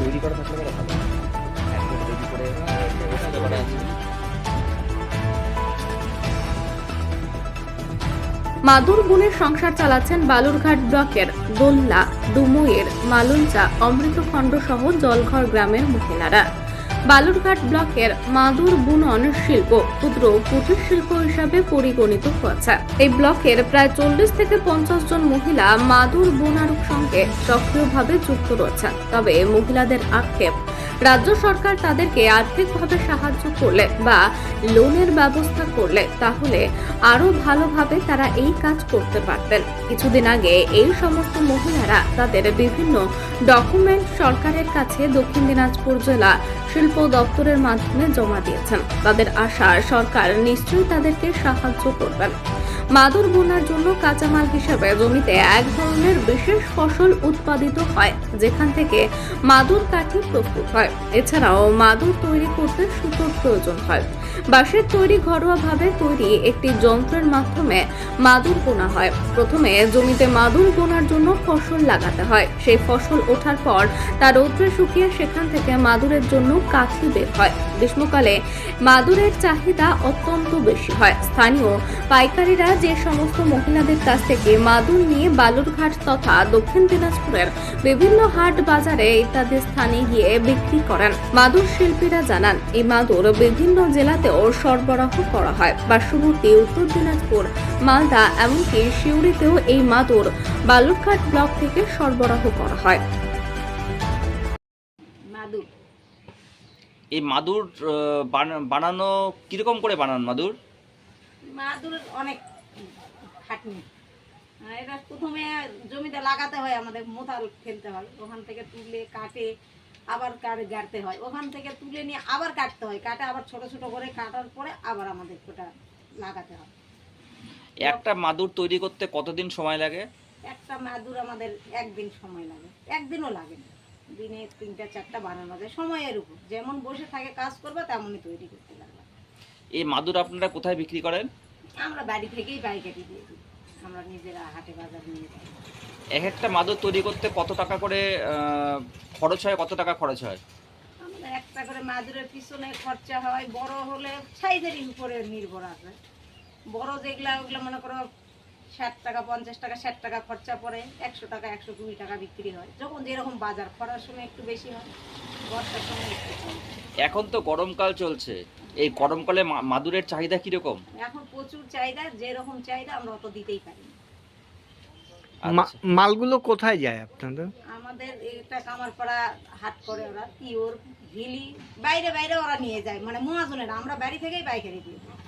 তৈরি করা থাকলে পরে ভালো হয়। একদম তৈরি করে বুঝতে পারছি। মাদুর বুনের সংসার চালাচ্ছেন বালুরঘাট ব্লকের দোল্লা, ডুমুইয়ের মালঞ্চা, অমৃতখণ্ড সহ জলঘর গ্রামের মহিলারা। বালুরঘাট ব্লকের মাদুর বুনন শিল্প ক্ষুদ্র কুটির শিল্প হিসাবে পরিগণিত হচ্ছে। এই ব্লকের প্রায় 40 থেকে 50 জন মহিলা মাদুর বোনার সঙ্গে সক্রিয়ভাবে যুক্ত রয়েছেন। তবে মহিলাদের আক্ষেপ, রাজ্য সরকার তাদেরকে আর্থিকভাবে সাহায্য করলে বা লোনের ব্যবস্থা করলে তাহলে আরো ভালোভাবে তারা এই কাজ করতে পারতেন। কিছুদিন আগে এই সমস্ত মহিলারা তাদের বিভিন্ন ডকুমেন্ট সরকারের কাছে দক্ষিণ দিনাজপুর জেলা শিল্প দপ্তরের মাধ্যমে জমা দিয়েছেন। তাদের আশা সরকার নিশ্চয়ই তাদেরকে সাহায্য করবেন। মাদুর বোনার জন্য কাঁচামাল হিসেবে জমিতে এক ধরনের বিশেষ ফসল উৎপাদিত হয় যেখান থেকে মাদুর কাঠি প্রস্তুত হয়। এছাড়াও মাদুর তৈরি করতে সুতোর প্রয়োজন হয়। বাঁশের তৈরি ঘরোয়াভাবে তৈরি একটি যন্ত্রের মাধ্যমে মাদুর বোনা হয়। প্রথমে জমিতে মাদুর বোনার জন্য ফসল লাগাতে হয়। সেই ফসল ওঠার পর তা রৌদ্রে শুকিয়ে সেখান থেকে মাদুরের জন্য কাঠি বের হয়। গ্রীষ্মকালে মাদুরের চাহিদা অত্যন্ত বেশি হয়। স্থানীয় পাইকারীরা যে সমস্ত মহিলাদের কাছ থেকে মাদুর নিয়ে বালুরঘাট তথা দক্ষিণ দিনাজপুরের বিভিন্ন হাট বাজারে ইত্যাদি স্থানে গিয়ে বিক্রি করেন। মাদুর শিল্পীরা জানান, এই মাদুর বিভিন্ন জেলাতেও সরবরাহ করা হয়। পার্শ্ববর্তী উত্তর দিনাজপুর, মালদা এমনকি সিউড়িতেও এই মাদুর বালুরঘাট ব্লক থেকে সরবরাহ করা হয়। মাদুর এই মাদুর বানানো কিরকম করে বানান মাদুর? মাদুর অনেক খাটনি। এটা প্রথমে জমিতে লাগাতে হয়, আমাদের মোথাল ফেলতে হয়, ওখান থেকে তুলে কাটে আবার গাড়তে হয়, ওখান থেকে তুলে নিয়ে আবার কাটতে হয়, কাটে আবার ছোট ছোট করে কাটার পরে আবার আমাদের ওটা লাগাতে হয়। একটা মাদুর তৈরি করতে কতদিন সময় লাগে? একটা মাদুর আমাদের একদিন সময় লাগে, একদিনও লাগে না, দিনে 3টা-4টা বানানো যায়, সময়ের উপর যেমন বসে থাকে কাজ করবে তেমনই তৈরি করতে লাগবে। এই মাদুর আপনারা কোথায় বিক্রি করেন? আমরা বাড়ি থেকেই পাইকারি দিয়ে দিই, আমরা নিজেরা হাটে বাজার নিয়ে যাই। এক একটা মাদুর তৈরি করতে কত টাকা করে খরচ হয়? কত টাকা খরচ হয়? আমাদের একটা করে মাদুরের পিছনে খরচা হয়, বড় হলে সাইজের উপরে নির্ভর আছে। বড় যেগুলা ওগুলো মনে করো 60 টাকা, 50 টাকা, 60 টাকা খরচা পড়ে, 100 টাকা, 120 টাকা বিক্রি হয়। যখন যেরকম বাজার, খরার সময় একটু বেশি হয়, বর্ষার সময় একটু কম। এখন তো গরমকাল চলছে, এই গরমকালে মাদুরের চাহিদা কিরকম? এখন প্রচুর চাহিদা, যেরকম চাহিদা আমরা অত দিতেই পারি না। আচ্ছা। মালগুলো কোথায় যায় আপনাদের? আমাদের এটা কামারপাড়া হাট করে ওরা, তিওর, ভিলি, বাইরে বাইরে ওরা নিয়ে যায়, মানে মহাজনের, আমরা বাড়ি থেকেই পাইকারি দিয়ে দিই।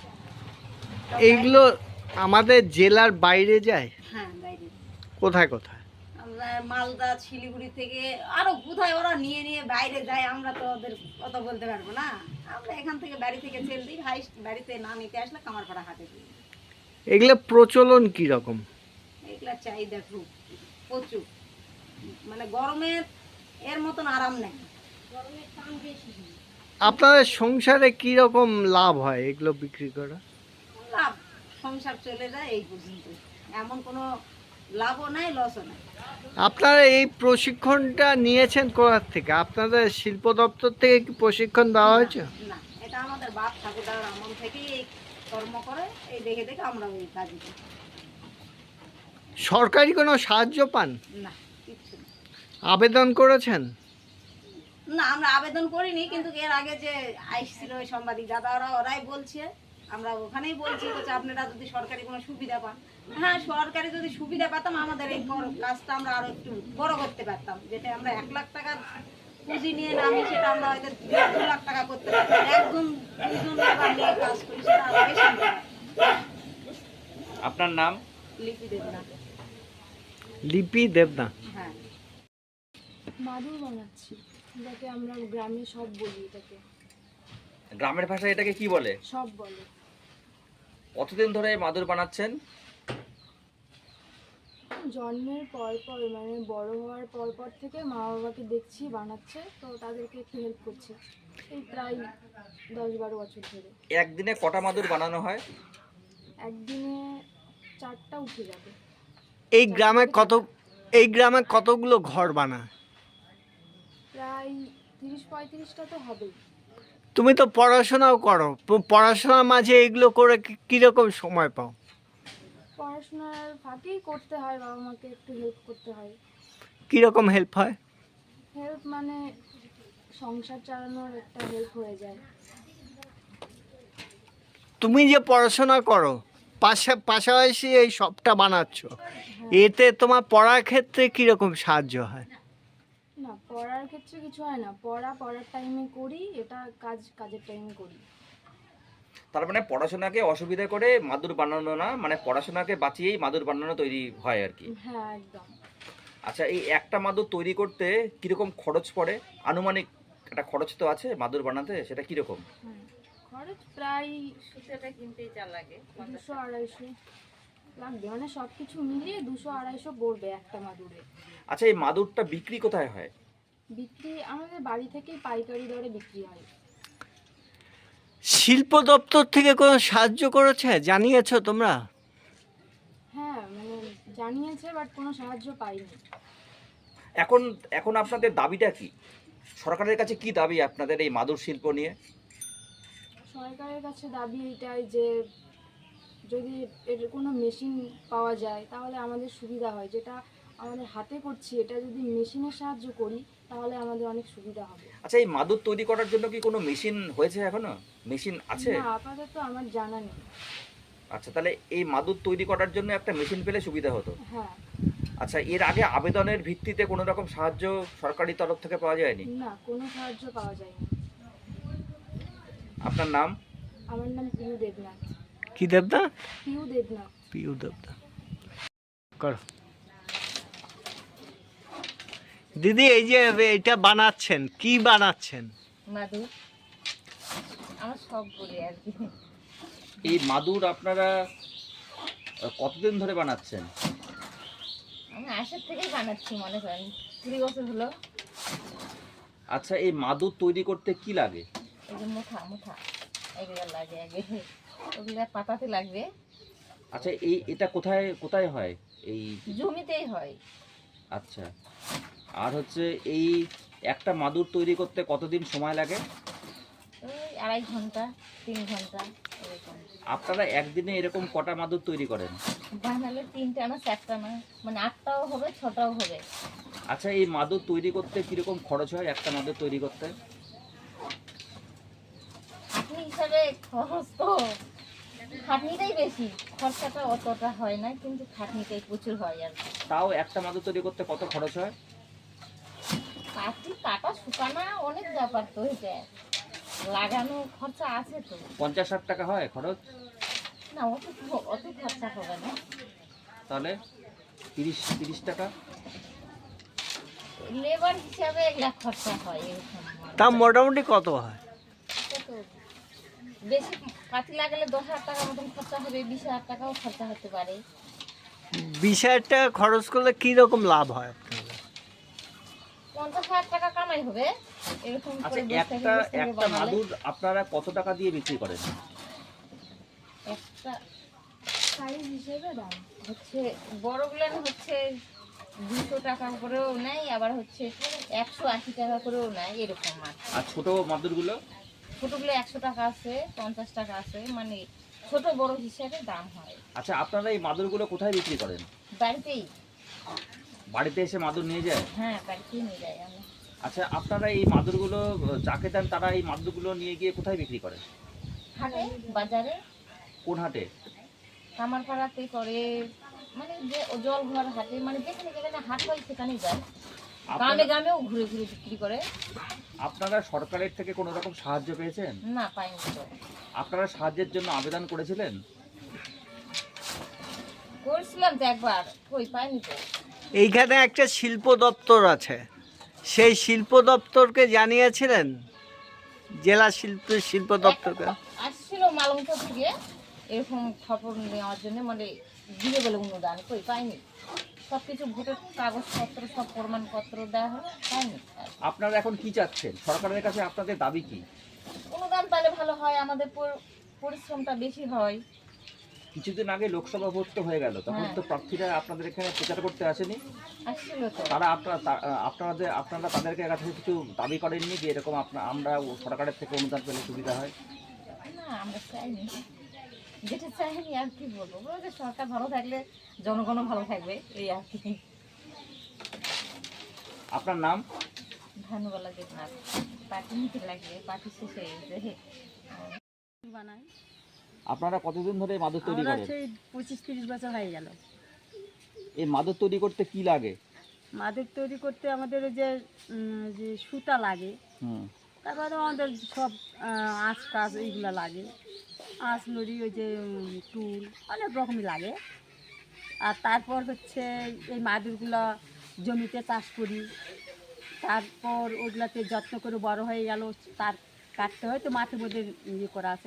এইগুলো আমাদের জেলার বাইরে যায়? হ্যাঁ, বাইরে। কোথায় কোথায়? আমরা মালদা, শিলিগুড়ি থেকে আরো কোথায় ওরা নিয়ে নিয়ে বাইরে যায়, আমরা তো ওদের কত বলতে পারবো না। আমরা এখান থেকে বাড়ি থেকে সেল দিই, হাইস্ট বাড়িতে না নিতে আসলে কামারপাড়া হাটে দিই। এগুলো প্রচলন কি রকম? এগুলা চাহিদা খুব প্রচুর, মানে গরমে এর মতন আরাম নেই, গরমের টান বেশি। আপনাদের সংসারে কি রকম লাভ হয় এগুলো বিক্রি করা? লাভ, সংসার চলে যায় এই পর্যন্ত, এমন কোনো লাভও নাই, লসও নাই। আপনারা এই প্রশিক্ষণটা নিয়েছেন কোথা থেকে? আপনাদের শিল্প দপ্তর থেকে কি প্রশিক্ষণ দেওয়া হয়েছে? না, এটা আমাদের বাপ ঠাকুরদার আমল থেকেই এই কর্ম করে, এই দেখে দেখে আমরা ওই কাজই করি। সরকারি কোনো সাহায্য পান? না, কিচ্ছু না। আবেদন করেছেন? না, আমরা আবেদন করিনি, কিন্তু এর আগে যে আইসছিল ওই সাংবাদিক দাদারা, ওরাই বলছে, আমরা ওখানেই বলছি যে আপনারা যদি সরকারি কোনো সুবিধা পান। হ্যাঁ, সরকারি যদি সুবিধা পেতাম আমাদের এই কাজটা আমরা আরো একটু বড় করতে পারতাম, যেটা আমরা 1 লাখ টাকার পুঁজি নিয়ে নামি সেটা আমরা হয়তো 2 লাখ টাকা করতে পারতাম। একজন দুজন লেবার নিয়ে কাজ করি, সেটা আরো বেশি নিতে পারতাম। আপনার নাম? লিপি দেব না। লিপি দেবনা। হ্যাঁ, মাদুর বানাচ্ছি, যাকে আমরা গ্রামে সব বলি, এটাকে গ্রামের ভাষায় এটাকে কি বলে? সব বলে। কতদিন ধরে মাদুর বানাচ্ছেন? জন্মের পর পর, মানে বড় হওয়ার পর পর থেকে মা বাবাকে দেখছি বানাচ্ছে, তো তাদেরকে একটু হেল্প করছে, এই প্রায় 10-12 বছর ধরে। একদিনে কটা মাদুর বানানো হয়? একদিনে 4টা উঠে যাবে। এই গ্রামে কতগুলো ঘর বানায়? প্রায় প্রায় 30-35টা তো হবেই। তুমি তো পড়াশোনাও করো, পড়াশোনার মাঝে এগুলো করে কিরকম সময় পাও? পড়াশোনার ফাঁকেই করতে হয়, বাবা মাকে একটু হেল্প করতে হয়। কিরকম হেল্প হয়? হেল্প মানে সংসার চালানোর একটা হেল্প হয়ে যায়। তুমি যে পড়াশোনা করো পাশাপাশি এই সবটা বানাচ্ছ, এতে তোমার পড়ার ক্ষেত্রে কিরকম সাহায্য হয়? না, পড়ার ক্ষেত্রে কিছু হয় না, পড়ার টাইমে করি, এটা কাজের টাইমে করি। তার মানে পড়াশোনাকে অসুবিধা করে মাদুর বানানো না, মানে পড়াশোনাকে বাঁচিয়েই মাদুর বানানো তৈরি হয় আর কি। হ্যাঁ, একদম। আচ্ছা, এই একটা মাদুর তৈরি করতে কিরকম খরচ পড়ে? আনুমানিক একটা খরচ তো আছে মাদুর বানাতে, সেটা কিরকম? হ্যাঁ, খরচ প্রায় 200-250 লাগবে, মানে সব কিছু মিলিয়ে 200-250 পড়বে একটা মাদুরে। আচ্ছা, এই মাদুরটা বিক্রি কোথায় হয়? বিক্রি আমাদের বাড়ি থেকেই পাইকারি দরে বিক্রি হয়। শিল্প দপ্তর থেকে কোনো সাহায্য করেছে, জানিয়েছো তোমরা? হ্যাঁ, মানে জানিয়েছে, বাট কোনো সাহায্য পাইনি। এখন এখন আপনাদের দাবিটা কি? সরকারের কাছে কি দাবি আপনাদের এই মাদুর শিল্প নিয়ে? সরকারের কাছে দাবি এটাই যে যদি এর কোনো মেশিন পাওয়া যায় তাহলে আমাদের সুবিধা হয়, যেটা আমাদের হাতে করছি এটা যদি মেশিনের সাহায্য করি তাহলে আমাদের অনেক সুবিধা হবে। আচ্ছা, এই মাদুর তৈরি করার জন্য কি কোনো মেশিন হয়েছে, এখনো মেশিন আছে? না, আপাতত আমার জানা নেই। আচ্ছা, তাহলে এই মাদুর তৈরি করার জন্য একটা মেশিন পেলে সুবিধা হতো। হ্যাঁ। আচ্ছা, এর আগে আবেদনের ভিত্তিতে কোনো রকম সাহায্য সরকারি তরফ থেকে পাওয়া যায়নি? না, কোনো সাহায্য পাওয়া যায়নি। আপনার নাম? আমার নাম পিউ দেবনাথ। কি দেবদা? পিউ দেবনাথ। পিউ দেবদা। করো দিদি, এই যে এটা বানাচ্ছেন, কি বানাচ্ছেন? মাদুর আমার সব বলি আর কি। এই মাদুর আপনারা কতদিন ধরে বানাচ্ছেন? আমি আসার থেকেই বানাচ্ছি, মনে করেন 20 বছর হলো। আচ্ছা, এই মাদুর তৈরি করতে কি লাগে? এই যে মুঠা এগুলো লাগে, আগে ওগুলো পাতাতে লাগবে। আচ্ছা, এটা কোথায় কোথায় হয়? এই জমিতেই হয়। আচ্ছা, আর হচ্ছে এই একটা মাদুর তৈরি করতে কতদিন সময় লাগে? ওই 2.5 ঘন্টা 3 ঘন্টা এরকম। আপনারা একদিনে এরকম কটা মাদুর তৈরি করেন? বানালে 3টা না 4টা না, মানে 8টাও হবে 6টাও হবে। আচ্ছা, এই মাদুর তৈরি করতে কিরকম খরচ হয় একটা মাদুর তৈরি করতে? খাটনি হিসাবে খরচ তো খাটনিটাই বেশি, খরচাটা অতটা হয় না, কিন্তু খাটনিটাই প্রচুর হয় আর কি। তাও একটা মাদুর তৈরি করতে কত খরচ হয়? কাটা শুকানো অনেক ব্যাপার তো, এটা লাগানো খরচা আছে তো। 50-60 টাকা হয় খরচ? না, অত খরচা হবে না। তাহলে 30 টাকা? লেবার হিসাবে এগুলা খরচা হয় এরকম। তা মোটামুটি কত হয়? তো বেশি পাতি লাগালে 10,000 টাকা মতন খরচা হবে, 20,000 টাকাও খরচা হতে পারে। 20,000 টাকা খরচ করলে কিরকম লাভ হয় আপনাদের? 50,000 টাকা কামাই হবে এরকম আচ্ছা, করে বস্তা একটা বস্তা করে একটা বানালে। মাদুর আপনারা কত টাকা দিয়ে বিক্রি করেন? একটা সাইজ হিসেবে দাম। হচ্ছে বড়গুলো হচ্ছে 200 টাকা করেও নেয়, আবার হচ্ছে 180 টাকা করেও নেয় এরকম মাছ। আর ছোট মাদুরগুলো? ছোটগুলো 100 টাকা আছে, 50 টাকা আছে, মানে ছোট বড় হিসাবে দাম হয়। আচ্ছা, আপনারা এই মাদুরগুলো কোথায় বিক্রি করেন? বাড়িতেই। বাড়িতে এসে মাদুর নিয়ে যায়? হ্যাঁ, বাড়িতেই নিয়ে যাই আমি। আচ্ছা, আপনারা এই মাদুরগুলো যাকে দেন তারা এই মাদুরগুলো নিয়ে গিয়ে কোথায় বিক্রি করেন? হাটে, বাজারে, কোন হাটে? কামারপাড়াতে করে, মানে যে জলঘর হাটে, মানে যেখানে যেখানে হাট হয় সেখানেই যায়। গ্রামে গ্রামেও ঘুরে ঘুরে বিক্রি করে। আপনারা সরকারের থেকে কোনো রকম সাহায্য পেয়েছেন? না, পাইনি তো। আপনারা সাহায্যের জন্য আবেদন করেছিলেন? করছিলাম তো একবার, কই পাইনি তো। এইখানে একটা শিল্প দপ্তর আছে, সেই শিল্প দপ্তরকে জানিয়েছিলেন? জেলা শিল্প দপ্তরকে আসছিল মালংচর থেকে এরকম খবর নেওয়ার জন্য, মানে দিয়ে বলে অনুদান, কই পাইনি। সব কিছু ভোটের কাগজপত্র সব প্রমাণপত্র দেওয়া হলো, পাইনি। আপনারা এখন কি চাচ্ছেন? সরকারের কাছে আপনাদের দাবি কি? অনুদান তাহলে ভালো হয়, আমাদের পরিশ্রমটা বেশি হয়। কিছুদিন আগে লোকসভা ভোট তো হয়ে গেল, তখন হ্যাঁ। তো প্রার্থীরা আপনাদের এখানে প্রচার করতে আসেনি। আসছিল তো। তারা আপনারা তাদেরকে কাছে কিছু দাবি করেননি যে এরকম আমরা সরকারের থেকে অনুদান পেলে সুবিধা হয়? না, আমরা চাইনি, যেটা চাইনি আর কি বলবো, বলো যে সরকার ভালো থাকলে জনগণও ভালো থাকবে, এই আর কি। আপনার নাম? ভানুবালা দেবনাথ। পার্টি নিতে লাগবে, পার্টি শেষ হয়ে গেছে। বানাই আপনারা কতদিন ধরে এই মাদুর তৈরি আমরা করেন? সেই 25-30 বছর হয়ে গেল। এই মাদুর তৈরি করতে কি লাগে? মাদুর তৈরি করতে আমাদের ওই যে সুতা লাগে, হুম। তারপরে আমাদের সব আঁশ কাজ এইগুলো লাগে, আঁশ নড়ি, ওই যে টুল, অনেক রকমই লাগে। আর তারপর হচ্ছে এই মাদুরগুলো জমিতে চাষ করি, তারপর ওগুলাতে যত্ন করে বড় হয়ে গেল, তার কাটতে হয় তো মাঠের মধ্যে ইয়ে করা আছে,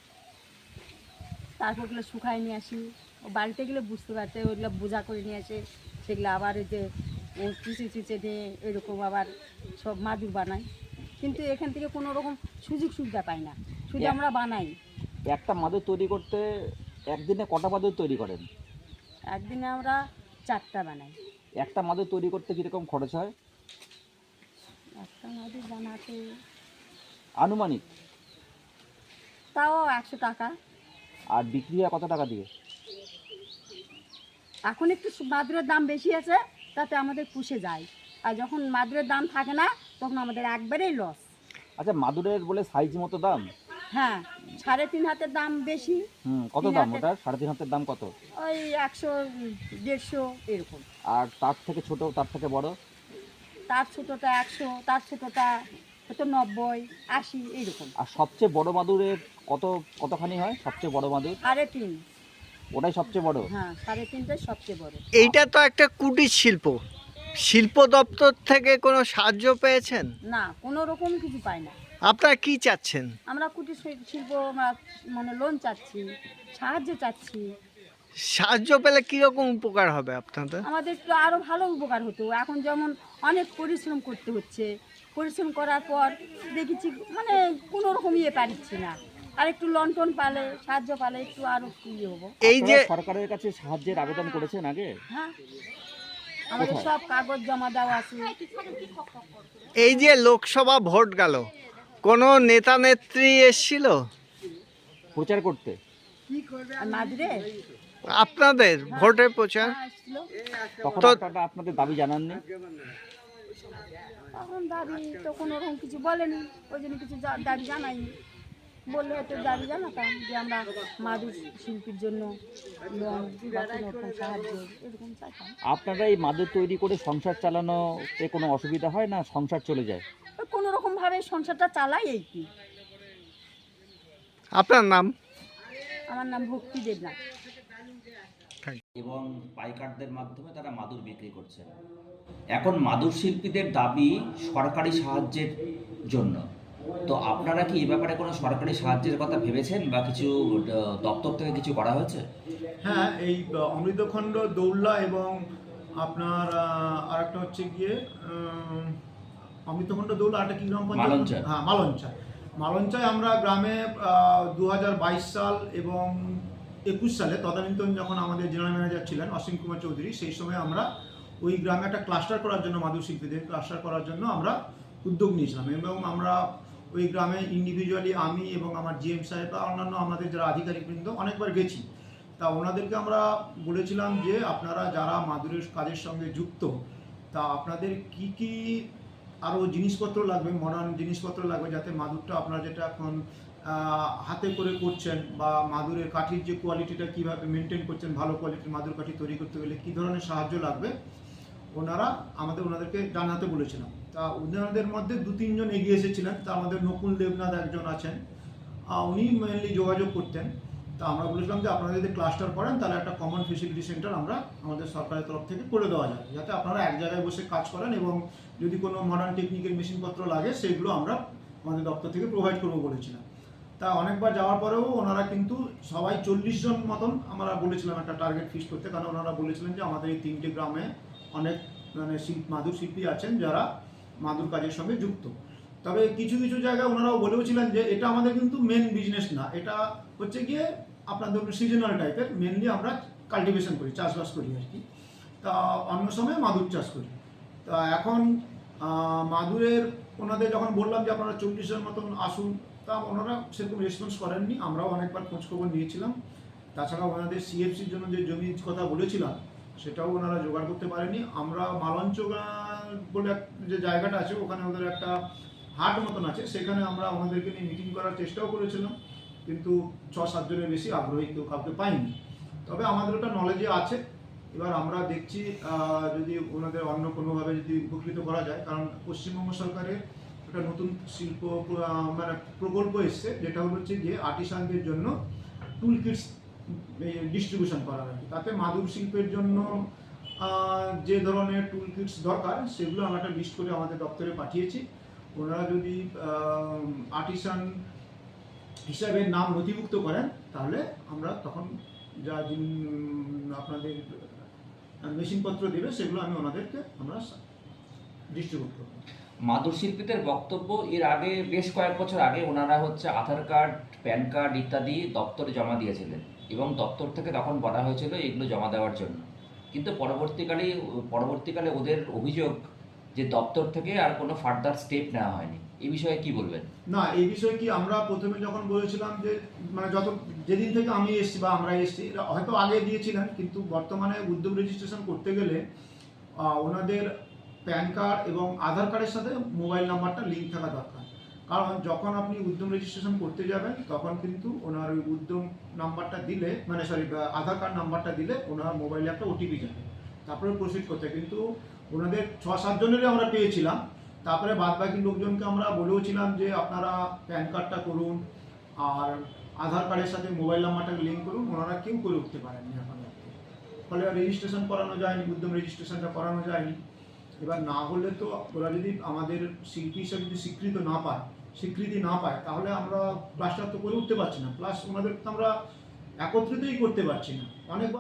তারপর ওগুলো শুকায় নিয়ে আসি। ও বাড়িতে গেলে বুঝতে পারতে, ওগুলো বোঝা করে নিয়ে আসে, সেগুলো আবার ওই যে ও চুচে নিয়ে এরকম আবার সব মাদুর বানাই। কিন্তু এখান থেকে কোনো রকম সুযোগ সুবিধা পাই না, শুধু আমরা বানাই। একটা মাদুর তৈরি করতে একদিনে কটা মাদুর তৈরি করেন? একদিনে আমরা 4টা বানাই। একটা মাদুর তৈরি করতে কীরকম খরচ হয় একটা মাদুর বানাতে আনুমানিক? তাও 100 টাকা। আর বিক্রি হয় কত টাকা দিয়ে? এখন একটু মাদুরের দাম বেশি আছে, তাতে আমাদের পুষে যায়। আর যখন মাদুরের দাম থাকে না, তখন আমাদের একবারেই লস। আচ্ছা, মাদুরের বলে সাইজ মতো দাম? হ্যাঁ, 3.5 হাতের দাম বেশি। কত 3 দাম হাতের- ওটার? 3.5 হাতের দাম কত? ওই 100-150 এরকম। আর তার থেকে ছোট, তার থেকে বড়? তার ছোটোটা 100, তার ছোটোটা হয়তো 90-80 এইরকম। আর সবচেয়ে বড় মাদুরের কতখানি হয়? সবচেয়ে বড় মাদুর 3.5। ওটাই সবচেয়ে বড়? হ্যাঁ, 3.5টাই সবচেয়ে বড়। এইটা তো একটা কুটির শিল্প, শিল্প দপ্তর থেকে কোনো সাহায্য পেয়েছেন? না, কোনো রকম কিছু পাই না। আপনারা কি চাচ্ছেন? আমরা কুটির শিল্প আমরা মানে লোন চাচ্ছি, সাহায্য চাচ্ছি। সাহায্য পেলে কীরকম উপকার হবে আপনাদের? আমাদের একটু আরও ভালো উপকার হতো। এখন যেমন অনেক পরিশ্রম করতে হচ্ছে, পরিশ্রম করার পর দেখেছি মানে কোনো রকম ইয়ে পারছি না। আর একটু লোন টোন পালে, সাহায্য পালে একটু আরও ইয়ে হবো। এই যে আপনারা সরকারের কাছে সাহায্যের আবেদন করেছেন আগে? হ্যাঁ, আমাদের কোথায়? সব কাগজ জমা দেওয়া আছে। এই যে লোকসভা ভোট গেল, কোনো নেতা নেত্রী এসেছিল প্রচার করতে? আর মাদুরে আপনাদের ভোটের প্রচার? আসছিল, তখন তো- আপনারা আপনাদের দাবি জানাননি? তখন দাবি তো কোনো রকম কিছু বলেনি, ওই জন্য কিছু দাবি জানাইনি। বললে হয়তো দাবি জানাতাম যে আমরা মাদুর শিল্পীর জন্য লোন বা কোনো রকম সাহায্য এরকম চাইতাম। আপনারা এই মাদুর তৈরি করে সংসার চালানোতে কোনো অসুবিধা হয় না? সংসার চলে যায়? ওই কোনো রকমভাবে সংসারটা চালাই এই কি। আপনার নাম? আমার নাম ভক্তি দেবনাথ। এবং পাইকারদের মাধ্যমে তারা মাদুর বিক্রি করছেন। এখন মাদুর শিল্পীদের দাবি সরকারি সাহায্যের জন্য। তো আপনারা কি এই ব্যাপারে কোনো সরকারি সাহায্যের কথা ভেবেছেন বা কিছু দপ্তর থেকে কিছু করা হয়েছে? হ্যাঁ, এই অমৃতখণ্ড, দৌল্লা এবং আপনার আরেকটা হচ্ছে গিয়ে অমৃতখণ্ড, দৌল্লা, আরেকটা কি গ্রাম পঞ্চায়েত? মালঞ্চা। হ্যাঁ, মালঞ্চায় আমরা গ্রামে 2022 সাল এবং 21 সালে তদানীন্তন যখন আমাদের জেনারেল ম্যানেজার ছিলেন অসীম কুমার চৌধুরী, সেই সময় আমরা ওই গ্রামে একটা ক্লাস্টার করার জন্য, মাদুর শিল্পীদের ক্লাস্টার করার জন্য আমরা উদ্যোগ নিয়েছিলাম। এবং আমরা ওই গ্রামে ইন্ডিভিজুয়ালি আমি এবং আমার জিএম সাহেব বা অন্যান্য আমাদের যারা আধিকারিকবৃন্দ অনেকবার গেছি। তা ওনাদেরকে আমরা বলেছিলাম যে আপনারা যারা মাদুরের কাজের সঙ্গে যুক্ত, তা আপনাদের কি কি আরও জিনিসপত্র লাগবে, মডার্ন জিনিসপত্র লাগবে, যাতে মাদুরটা আপনারা যেটা এখন হাতে করে করছেন বা মাদুরের কাঠির যে কোয়ালিটিটা কীভাবে মেনটেন করছেন, ভালো কোয়ালিটির মাদুর কাঠি তৈরি করতে গেলে কী ধরনের সাহায্য লাগবে ওনাদেরকে জানাতে বলেছিলাম। তা ওনাদের মধ্যে 2-3 জন এগিয়ে এসেছিলেন। তা আমাদের নকুল দেবনাথ একজন আছেন, উনি মেনলি যোগাযোগ করতেন। তা আমরা বলেছিলাম যে আপনারা যদি ক্লাস্টার করেন তাহলে একটা কমন ফেসিলিটি সেন্টার আমরা আমাদের সরকারের তরফ থেকে করে দেওয়া যায়, যাতে আপনারা এক জায়গায় বসে কাজ করেন এবং যদি কোনো মডার্ন টেকনিকের মেশিনপত্র লাগে সেগুলো আমরা আমাদের দপ্তর থেকে প্রোভাইড করবো বলেছিলাম। তা অনেকবার যাওয়ার পরেও ওনারা কিন্তু সবাই 40 জন মতন আমরা বলেছিলাম একটা টার্গেট ফিক্স করতে, কারণ ওনারা বলেছিলেন যে আমাদের এই 3টে গ্রামে অনেক মানে মাদুর শিল্পী আছেন যারা মাদুর কাজের সঙ্গে যুক্ত। তবে কিছু কিছু জায়গায় ওনারাও বলেওছিলেন যে এটা আমাদের কিন্তু মেন বিজনেস না, এটা হচ্ছে গিয়ে আপনার ধরুন সিজনাল টাইপের, মেনলি আমরা কাল্টিভেশন করি, চাষবাস করি আর কি। তা অন্য সময় মাদুর চাষ করি। তা এখন মাদুরের ওনাদের যখন বললাম যে আপনারা 40-এর মতন আসুন, তা ওনারা সেরকম রেসপন্স করেননি। আমরাও অনেকবার খোঁজখবর নিয়েছিলাম। তাছাড়া ওনাদের সিএফসির জন্য যে জমির কথা বলেছিলাম সেটাও ওনারা জোগাড় করতে পারেনি। আমরা মালঞ্চ বলে যে জায়গাটা আছে ওখানে ওদের একটা হাট মতন আছে, সেখানে আমরা ওনাদেরকে নিয়ে মিটিং করার চেষ্টাও করেছিলাম, কিন্তু 6-7 জনের বেশি আগ্রহী কেউ কাউকে পাইনি। তবে আমাদের ওটা নলেজে আছে। এবার আমরা দেখছি যদি ওনাদের অন্য কোনোভাবে যদি উপকৃত করা যায়, কারণ পশ্চিমবঙ্গ সরকারের একটা নতুন শিল্প মানে প্রকল্প এসছে, যেটা হচ্ছে যে আর্টিসানদের জন্য টুল কিটস ডিস্ট্রিবিউশন করা হয়। তাতে মাদুর শিল্পের জন্য যে ধরনের টুল কিটস দরকার সেগুলো আমরা একটা লিস্ট করে আমাদের দপ্তরে পাঠিয়েছি। ওনারা যদি আর্টিসান হিসাবে নাম নথিভুক্ত করেন তাহলে আমরা তখন যা আপনাদের মেশিনপত্র দেবে সেগুলো আমি ওনাদেরকে আমরা ডিস্ট্রিবিউট করব। মাদুর শিল্পীদের বক্তব্য, এর আগে বেশ কয়েক বছর আগে ওনারা হচ্ছে আধার কার্ড, প্যান কার্ড ইত্যাদি দপ্তরে জমা দিয়েছিলেন এবং দপ্তর থেকে তখন বলা হয়েছিল এগুলো জমা দেওয়ার জন্য, কিন্তু পরবর্তীকালে ওদের অভিযোগ যে দপ্তর থেকে আর কোনো ফার্দার স্টেপ নেওয়া হয়নি। এই বিষয়ে কি বলবেন? না, এই বিষয়ে কি আমরা প্রথমে যখন বলেছিলাম যে মানে যেদিন থেকে আমি এসেছি বা আমরা এসেছি, হয়তো আগে দিয়েছিলেন, কিন্তু বর্তমানে উদ্যোগ রেজিস্ট্রেশন করতে গেলে ওনাদের প্যান কার্ড এবং আধার কার্ডের সাথে মোবাইল নাম্বারটা লিঙ্ক থাকা দরকার। কারণ যখন আপনি উদ্যম রেজিস্ট্রেশন করতে যাবেন তখন কিন্তু ওনার ওই উদ্যম নাম্বারটা দিলে, মানে আধার কার্ড নাম্বারটা দিলে ওনার মোবাইলে একটা ওটিপি যাবে, তারপরে প্রসিড করতে। কিন্তু ওনাদের 6-7 জনেরই আমরা পেয়েছিলাম। তারপরে বাদবাকি লোকজনকে আমরা বলেওছিলাম যে আপনারা প্যান কার্ডটা করুন আর আধার কার্ডের সাথে মোবাইল নাম্বারটাকে লিঙ্ক করুন, ওনারা কেউ করে উঠতে পারেননি এখন। ফলে রেজিস্ট্রেশন করানো যায়নি, উদ্যম রেজিস্ট্রেশনটা করানো যায়নি। এবার না হলে তো ওরা যদি আমাদের শিল্পী হিসাবে যদি স্বীকৃতি না পায় তাহলে আমরা ক্লাসটা তো করে উঠতে পারছি না, প্লাস ওনাদের তো আমরা একত্রিতই করতে পারছি না। অনেক